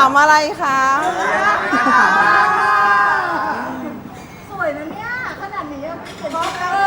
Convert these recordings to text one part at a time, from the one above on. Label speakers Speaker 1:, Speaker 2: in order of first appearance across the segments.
Speaker 1: ามอะไรคะ
Speaker 2: สวยนะเนี่ยขนาดนี้ยังไม่เห็น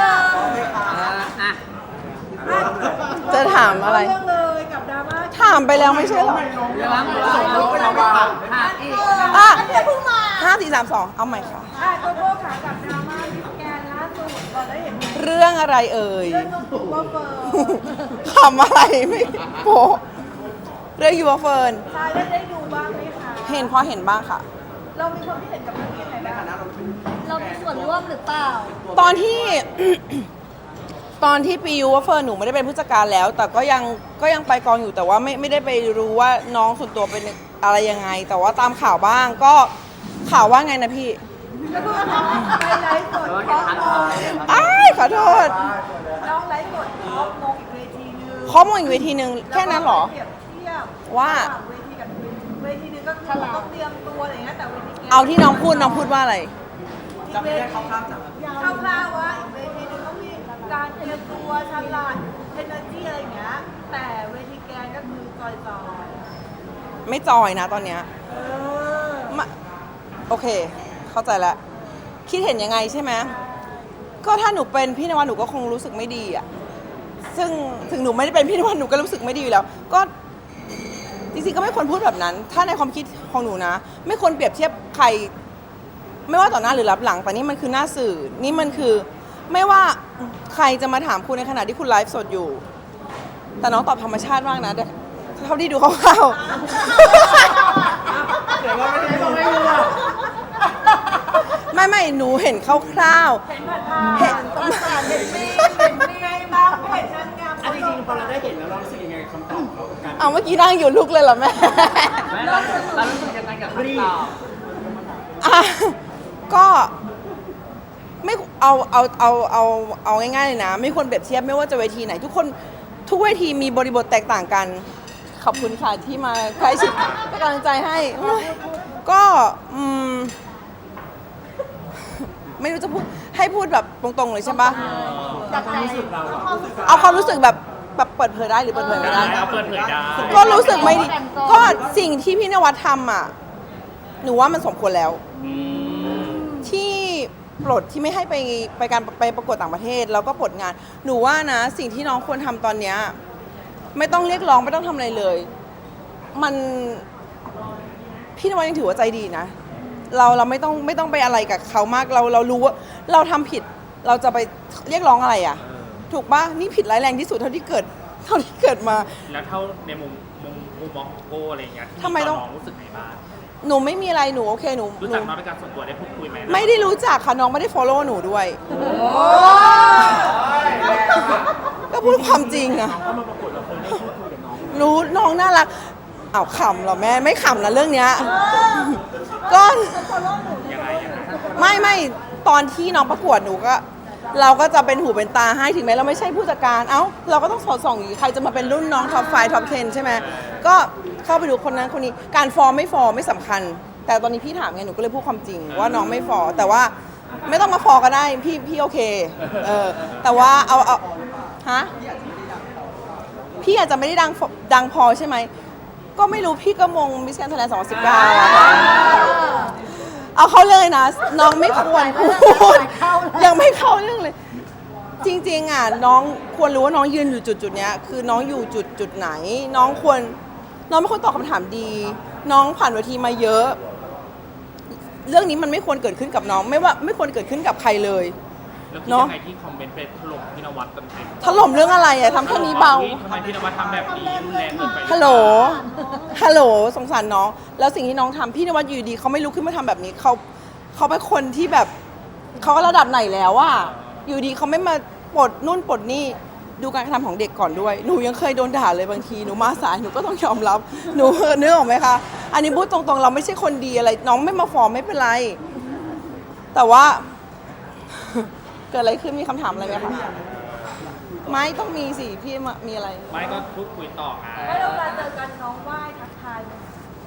Speaker 1: จะถามอะไร
Speaker 2: เรื่องเลยกับดราม่า
Speaker 1: ถามไปแล้วไม่ใช่เหรอ
Speaker 3: ส่งรูปไปแล้วว่าค่ะอีก
Speaker 1: อ่ะ
Speaker 2: เพิ่งมา
Speaker 1: 5 4 3 2เอาใหม่ค่ะ
Speaker 2: โกโก้ขากับดราม่ามิสแกนล่าสุดเราได้เห็นไหม
Speaker 1: เรื่องอะไรเอ่ย
Speaker 2: เรื่องน้องถูกว่าเฟิร์น
Speaker 1: ขำอะไรไม่โปะเรื่องยูวเฟิร์น
Speaker 2: ชายได้ดูบ้างไหมคะ
Speaker 1: เห็นพอเห็นบ้างค่ะ
Speaker 2: เรามีความคิดเห็นกับเรื่องนี้ยังไงบ้าง
Speaker 4: เรามีส่วนร่วมหรือเปล่า
Speaker 1: ตอนที่ ตอนที่ปียูวเฟิร์นหนูไม่ได้เป็นผู้จัดการแล้ว แต่ก็ยังไปกองอยู่แต่ว่าไม่ได้ไปรู้ว่าน้องส่วนตัวเป็นอะไรยังไง แต่ว่าตามข่าวบ้างก็ข่าวว่าไงนะพี่
Speaker 2: ไปไลฟ์สดเพราะมง
Speaker 1: อ้ายขอโทษ
Speaker 2: น้องไลฟ์สดเพราะมงอีกเวทีนึง
Speaker 1: ข้อมูลอีกเวทีหนึ่งแค่นั้นเหรอ
Speaker 2: เปรียบเทียบ
Speaker 1: ว่า
Speaker 2: ระหงเวทีกับเวทีนึงก็คือต้องเตรียมตัวอะไรเงี้ยแต่เวที
Speaker 1: เอาที่น้องพูดว่าอะไร
Speaker 2: จำไม่ได้คร่าวๆว่าอีกเวทีนึงต้องมีการเตรียมตัวฉลาดเอเนอร์จีอะไรอย่างเงี้ยแต่เวทีแกนก็คือจอยๆ
Speaker 1: ไม่จอยนะตอนเนี้ยมาโอเค เข้าใจแล้ว คิดเห็นยังไงใช่ไหมก็ถ้าหนูเป็นพี่นวัดหนูก็คงรู้สึกไม่ดีอ่ะซึ่งถึงหนูไม่ได้เป็นพี่นวัดหนูก็รู้สึกไม่ดีอยู่แล้ว ก็จริงๆก็ไม่ควรพูดแบบนั้น ถ้าในความคิดของหนูนะ ไม่ควรเปรียบเทียบใคร ไม่ว่าต่อหน้าหรือรับหลัง แต่นี่มันคือหน้าสื่อ นี่มันคือ ไม่ว่าใครจะมาถามคุณในขณะที่คุณไลฟ์สดอยู่ แต่น้องตอบธรรมชาติมากนะเท่าที่ดูคร่าวๆ
Speaker 3: เดี๋ยวว่าไม่ได้ต้องไม่รู้อ่ะ
Speaker 1: ไม่หนูเห็นคร่าว
Speaker 2: เห็นผ่านเห็นมีเห็นมีบางเพจนางงาม
Speaker 3: อันจริงๆพอเราได้เห็นแล้วเรารู้สึกยังไงกับคำตอบเขาการ
Speaker 1: ๆเอาเมื่อกี้นั่งอยู่ลุกเลยเหรอแม่
Speaker 3: เรารู้สึกยังไงกับคำตอบ
Speaker 1: อ่ะก็ไม่เอาง่ายๆเลยนะ ไม่ควรเปรียบเทียบไม่ว่าจะเวทีไหน ทุกเวทีมีบริบทแตกต่างกัน ขอบคุณค่ะที่มาใกล้ชิดเป็นกำลังใจให้ ก็ไม่รู้จะพูดให้พูดแบบตรงๆเลยใช่ปะ
Speaker 3: จากความรู้สึกเราอะ
Speaker 1: เอาความรู้สึกแบบเปิดเผยได้หรือเปิดเผยไม่ได้
Speaker 3: เอาเปิดเผยได้
Speaker 1: ก็รู้สึกไม่ดีก็สิ่งที่พี่นวัดทำอ่ะหนูว่ามันสมควรแล้ว ที่ปลดที่ไม่ให้ไปประกวดต่างประเทศแล้วก็ปลดงาน หนูว่านะสิ่งที่น้องควรทำตอนเนี้ยไม่ต้องเรียกร้องไม่ต้องทำอะไรเลย มันพี่นวัดยังถือว่าใจดีนะ เราไม่ต้องไปอะไรกับเขามากเรารู้ว่าเราทำผิดเราจะไปเรียกร้องอะไรอ่ะ ถูกปะนี่ผิดร้ายแรงที่สุดเท่าที่เกิดมา
Speaker 5: แล้วเท่าในมุมมองโก้อะไรอย่างเงี้ย
Speaker 1: ทำไมต้อง
Speaker 5: น้องรู้สึกไงบ้าง
Speaker 1: หนูไม่มีอะไรหนูโอเคหนู
Speaker 5: รู้จักน้องเป็นการส่วนตัวได้พูดคุยไหม
Speaker 1: ไม่ได้รู้จักค่ะน้องไม่ได้ follow หนูด้วย ก็พูดความจริงอะ
Speaker 3: เขามาประกวดเราเคยได้พูดคุยกับน้อง
Speaker 1: รู้น้องน่ารักเอาขำเหรอแม่ไม่ขำนะเรื่องเนี้ยก็
Speaker 5: ยังไง
Speaker 1: ไม่ตอนที่น้องประกวดหนูก็ เราก็จะเป็นหูเป็นตาให้ถึงแม้เราไม่ใช่ผู้จัดการเอ้าเราก็ต้องสอดส่องอยู่ใครจะมาเป็นรุ่นน้องท็อป5ท็อป10ใช่ไหมก็เข้าไปดูคนนั้นคนนี้การฟอร์มไม่สำคัญ แต่ตอนนี้พี่ถามไงหนูก็เลยพูดความจริงว่าน้องไม่ฟอร์แต่ว่าไม่ต้องมาฟอร์ก็ได้พี่โอเคแต่ว่าเอาฮะพี่อาจจะไม่ได้ดังพอใช่ไหมก็ไม่รู้พี่ก็มงมิสแกรนด์ไทยแลนด์2019เอาเข้าเรื่องเลยนะน้องไม่ควรพูดยังไม่เข้าเรื่องเลย จริงๆอ่ะน้องควรรู้ว่าน้องยืนอยู่จุดเนี้ยคือน้องอยู่จุดไหน น้องไม่ควรตอบคำถามดี น้องผ่านเวทีมาเยอะ เรื่องนี้มันไม่ควรเกิดขึ้นกับน้องไม่ควรเกิดขึ้นกับใครเลย
Speaker 5: แล้วคิดยังไงที่คอมเมนต์ไปถล่มพี่นวัดเต็ม
Speaker 1: ถล่มเรื่องอะไรอะทำแค่นี้เบา
Speaker 5: ทำไมพี่นวัดทำแบบนี้รุนแรงเกินไป
Speaker 1: ฮัลโหลสงสารน้อง แล้วสิ่งที่น้องทำพี่นวัดอยู่ดีเขาไม่ลุกขึ้นมาทำแบบนี้เขาเป็นคนที่แบบเขาก็ระดับไหนแล้วอะอยู่ดีเขาไม่มาปลดนู่นปลดนี่ดูการกระทำของเด็กก่อนด้วยหนูยังเคยโดนด่าเลยบางทีหนูมาสายหนูก็ต้องยอมรับหนูนึกออกไหมคะอันนี้พูดตรงๆเราไม่ใช่คนดีอะไรน้องไม่มาฟ้องไม่เป็นไร แต่ว่า เกิดอะไรขึ้นมีคำถามอะไรไหมคะไม่ต้องมีสิพี่มีอะไร
Speaker 5: ไม่ก็พูดคุยต่อไง
Speaker 2: แล้วเวลาเจอกันน้องไหว้ทักทายไหม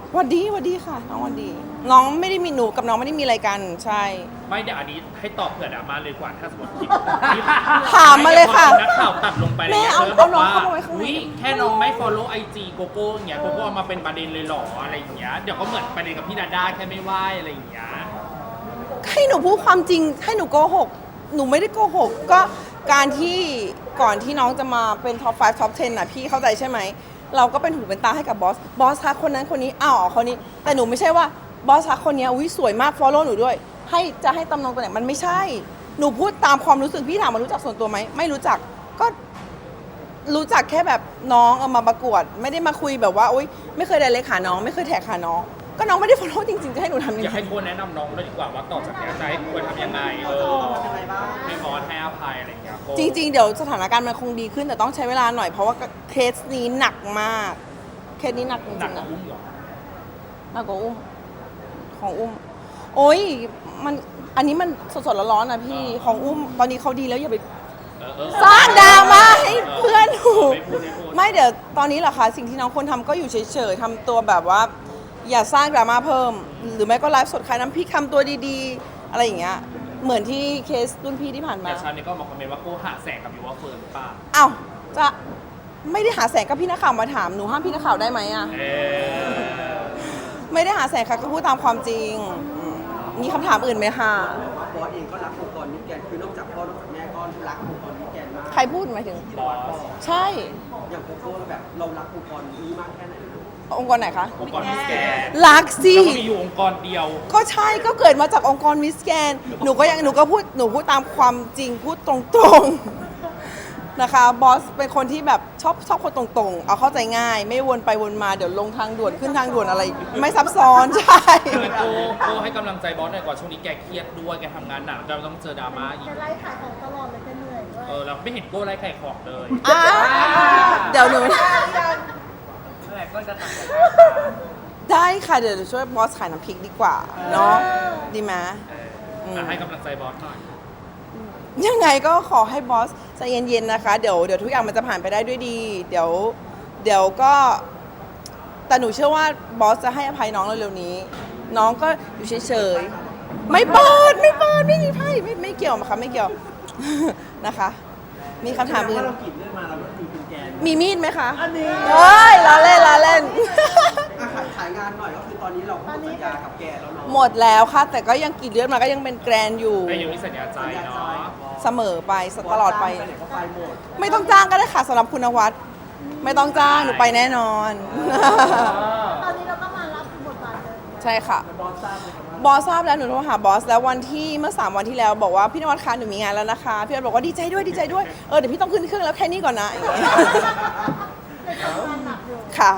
Speaker 1: หวัดดีค่ะน้องหวัดดี น้องไม่ได้มีหนูกับน้องไม่ได้มีอะไรกันใช่
Speaker 5: ไม่เดี๋ยวอันนี้ให้ตอบเผื่อดราม่าเลยกว่าถ้าสมมติคลิป
Speaker 1: ถามมาเลยค่ะ
Speaker 5: นักข่าวตัดลงไป
Speaker 1: แม่
Speaker 5: แล้ว
Speaker 1: เอา
Speaker 5: แล้ว
Speaker 1: เอาน้อง
Speaker 5: บก
Speaker 1: เข้ามาไว้ข้างใน
Speaker 5: อุ๊ยแค่น้องไม่ follow IG โกโก้อย่างเงี้ยโกโก้เอามาเป็นประเด็นเลยเหรออะไรอย่างเงี้ยเดี๋ยวก็เหมือนประเด็นกับพี่ดาด้าแค่ไม่ไหวอะไรอย่างเงี้ย
Speaker 1: ให้หนูพูดความจริงให้หนูโกหกหนูไม่ได้โกหกก็การที่ก่อนที่น้องจะมาเป็นท็อป 5 ท็อป 10 น่ะพี่เข้าใจใช่ไหม เราก็เป็นหูเป็นตาให้กับบอสทักคนนั้นคนนี้อ้าวคนนี้ แต่หนูไม่ใช่ว่าบอสทักคนนี้อุ้ยสวยมาก follow หนูด้วย จะให้ตำแหน่งตัวไหนมันไม่ใช่ หนูพูดตามความรู้สึกพี่ถามมารู้จักส่วนตัวไหมไม่รู้จักก็รู้จักแค่แบบน้องเอามาประกวด ไม่ได้มาคุยแบบว่าอุ้ยไม่เคยไดเรกหาน้องไม่เคยแท็กหาน้อง ก็น้องไม่ได้ follow จริงๆจะให้หนูทำยัง
Speaker 5: อยาก
Speaker 1: ไง
Speaker 5: ให้โกแนะนำน้องเลยดีกว่าว่าต่อจากเนี้ยจะให้ควรทำยังไงให้บอสให้อภัยอะไรอย่างเงี้ยโก้
Speaker 1: จริงๆ เดี๋ยวสถานการณ์มันคงดีขึ้นแต่ต้องใช้เวลาหน่อยเพราะว่าเคสนี้หนักมาก เคสนี้หนักจริง
Speaker 5: หนัก
Speaker 1: ๆ
Speaker 5: กว่า
Speaker 1: นะ
Speaker 5: อุ้มเหรอ
Speaker 1: หนักกว่าอุ้มของอุ้ม โอ้ยมันอันนี้มันสดๆร้อนๆนะพี่ของอุ้มตอนนี้เขาดีแล้วอย่าไป
Speaker 5: เออ
Speaker 1: สร้างดราม่าให้เพื่อนหนู
Speaker 5: ไม่พูด
Speaker 1: ไม่เดี๋ยวตอนนี้เหรอคะสิ่งที่น้องควรทำก็อยู่เฉยๆทำตัวแบบว่า อย่าสร้างดราม่าเพิ่ม หรือไม่ก็ไลฟ์สดขายน้ำพริกทำตัวดีๆ อะไรอย่างเงี้ยเหมือนที่เคสรุ่นพี่ที่ผ่านมา
Speaker 5: แต่ชาวเน็ตก็มาคอมเมนต์ว่าโก้หาแสงกับยูว่าเฟิร์นหรือเปล่า
Speaker 1: อ้าวจะไม่ได้หาแสงก็พี่นักข่าวมาถามหนูห้ามพี่นักข่าวได้ไหมอะ
Speaker 5: เออ
Speaker 1: ไม่ได้หาแสงค่ะก็พูดตามความจริงมีคำถามอื่นไหมคะ
Speaker 3: บอสเองก็รักองค์กรมิสแกรนด์คือนอกจากพ่อนอกจากแม่ก็รักองค์กรมิสแกรนด์มาก
Speaker 1: ใครพูดหมายถึง
Speaker 5: บอส
Speaker 1: ใช่
Speaker 3: อย่างโกโก้แบบเรารักองค์กรนี้มากแค่ไหนลูก
Speaker 1: องค์กรไหนคะ
Speaker 5: องค์กรมิสแกรนด์
Speaker 1: รักสิ
Speaker 5: แล้วก็มีอยู่องค์กรเดียว
Speaker 1: ก็ใช่ก็เกิดมาจากองค์กรมิสแกนหนูก็พูดตามความจริงพูดตรงๆนะคะบอสเป็นคนที่แบบชอบคนตรงๆ เอาเข้าใจง่าย ไม่วนไปวนมาเดี๋ยวลงทางด่วนขึ้นทางด่วนอะไร ไม่ซับซ้อนใช่
Speaker 5: คือโก้ให้กำลังใจบอสหน่อยก่อนช่วงนี้แกเครียดด้วยแกทำงานหนักเราต้องเจอดราม่าอีก
Speaker 4: จะไล่ขายของตลอดเลยจะเหนื่อยด้วย
Speaker 5: เราไม่เห็นโก้ไล่ไข่ของเลย
Speaker 1: อ่ะเดี๋ยวหนู
Speaker 5: นั่นแหละก็จะทำ
Speaker 1: ได้ค่ะเดี๋ยวช่วยบอสขายน้ำพริกดีกว่าเนาะดีไหม
Speaker 5: ให้กำลังใจบอสหน่อย
Speaker 1: ยังไงก็ขอให้บอสใจเย็นๆนะคะเดี๋ยวทุกอย่างมันจะผ่านไปได้ด้วยดี เดี๋ยวก็แต่หนูเชื่อว่าบอสจะให้อภัยน้องเร็วๆนี้ น้องก็อยู่เฉยๆไม่เปิดไม่มีไพ่ไม่เกี่ยวค่ะไม่เกี่ยว นะคะ มีคำถามอื่น
Speaker 3: ถ้าเรากรีดเรื่องมาเราก็คือคุณแกน
Speaker 1: มีมีดไหมคะ
Speaker 3: อันนี้
Speaker 1: เฮ้ยล้อเล่น
Speaker 3: ขายงานหน่อยก็คือตอนนี้เราหมดสัญญากับแกแล้วเนาะ
Speaker 1: หมดแล้วค่ะ แต่ก็ยังกรีดเลือดมาก็ยังเป็นแกรนอยู่
Speaker 5: แต่ยังมีสัญญาใจเนาะ
Speaker 1: เสมอไปตลอดไป
Speaker 3: ไหนก็ไปหมด
Speaker 1: ไม่ต้องจ้างก็ได้ค่ะสำหรับคุณนวัดไม่ต้องจ้างหนูไปแน่นอน
Speaker 4: ตอนนี้เราก็มารับบทบาทเลย
Speaker 1: ใช่ค่ะ
Speaker 3: บอสทราบเลยครับว่า
Speaker 1: บอสทราบแล้วหนูโทรหาบอสแล้ววันที่เมื่อ 3 วันที่แล้วบอกว่าพี่นวัดคะหนูมีงานแล้วนะคะพี่นวัดบอกว่าดีใจด้วยเดี๋ยวพี่ต้องขึ้นเครื่องแล้วแค่นี้ก่อนนะอย่างเงี้ย
Speaker 4: แต่ทำงานหนักอยู่
Speaker 1: ค่ะ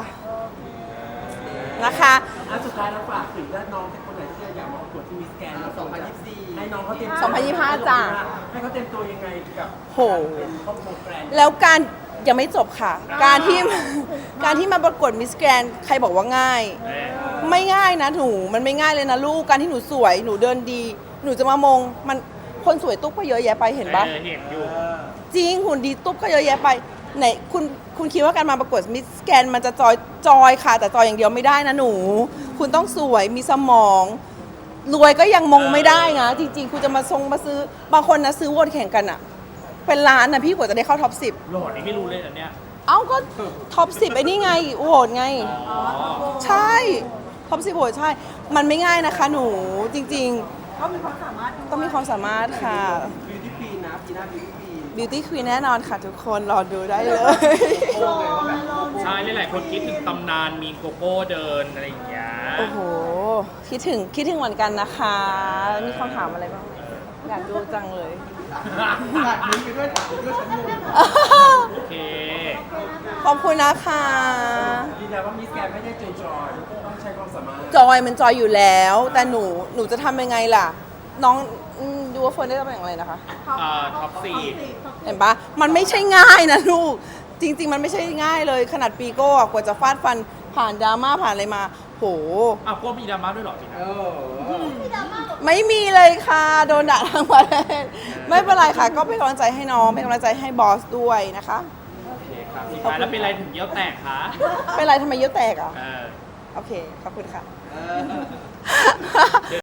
Speaker 1: นะคะ
Speaker 3: อันสุดท้ายเราฝากถึงน้องคนไหนที่อยากมาประกวดที่มิสแกรนด์2024ให้น้องเขาเตรียม
Speaker 1: 2025จ้ะ
Speaker 3: ให้เขาเตรียมตัวยังไงกับ
Speaker 1: โห
Speaker 3: เป็นครอบครัวแกรนด์
Speaker 1: แล้วการยังไม่จบค่ะ การที่มาประกวดมิสแกรนใครบอกว่าง่าย ไม่ง่ายนะหนูมันไม่ง่ายเลยนะลูกการที่หนูสวยหนูเดินดี หนูจะมามงมันคนสวยตุ๊กก็เยอะแยะไปเห็นปะ
Speaker 5: เห็นอยู่
Speaker 1: จริงหุ่นดีตุ๊กก็เยอะแยะไปไหนคุณคิดว่าการมาประกวดมิสแกรนมันจะจอยค่ะ แต่จอยอย่างเดียวไม่ได้นะหนู คุณต้องสวยมีสมอง รวยก็ยังมงไม่ได้นะจริง ๆ คุณจะมาซื้อบางคนนะซื้อวนแข่งกันอะเป็นล้านนะพี่กว่าจะได้เข้าท็อป 10
Speaker 5: โหลดนี่ไม่รู้เลยอันเนี้ย
Speaker 1: เอ้าก็ท็อป 10ไอ้นี่ไงโหวตไง ใช่ท็อป 10โหวตใช่ มันไม่ง่ายนะคะหนูจริง
Speaker 2: เขามีความสามารถ
Speaker 1: ๆ ต้องมีความสามารถค่ะ
Speaker 3: บิวตี้ปีนะปีหน้าบิวตี้ปี
Speaker 1: Beauty Queen แน่นอนค่ะทุกคนรอดูได้เลย
Speaker 3: โอ้ไงว่าแบบ
Speaker 5: ใช่หลายๆคนคิดถึงตำนานมีโกโก้เดินอะไรอย่างเงี้ย
Speaker 1: โอ้โห คิดถึงเหมือนกันนะคะ มีคำถามอะไรบ้างไหมอยากดูจังเลย
Speaker 3: ตัดนิ้วไปด้วยตัดนิ้วด้วยฉันงง
Speaker 5: โอเค
Speaker 1: ขอบคุณนะคะ
Speaker 3: ยืนยันว่ามิสแกรนด์ไม่ได้จอยๆต้องใช้ความสามารถ
Speaker 1: จอยมันจอยอยู่แล้ว แต่หนูจะทำยังไงล่ะ น้องดูว่าเฟิร์นได้ตำแหน่งอะไรนะคะ
Speaker 5: ท็อปสี่
Speaker 1: เห็นปะมันไม่ใช่ง่ายนะลูก จริง ๆ มันไม่ใช่ง่ายเลย ขนาดปีโก้อะกว่าจะฟาดฟันผ่านดราม่าผ่านอะไรมา โห
Speaker 5: อ้าวโก้มีดราม่าด้วยเหรอจริงนะ
Speaker 1: ไม่มีเลยค่ะ โดนด่าทั้งประเทศไม่เป็นไรค่ะ ก็เป็นกำลังใจให้น้อง เป็นกำลังใจให้บอสด้วยนะคะ
Speaker 5: โอเคครับสุดท้ายแล้วเป็นอะไรถึงเยี่ยวแตกคะ
Speaker 1: เป็นไรทำไมเยอะแตกอ่ะ
Speaker 5: เออ
Speaker 1: โอเค ขอบคุณค่ะ
Speaker 3: เออ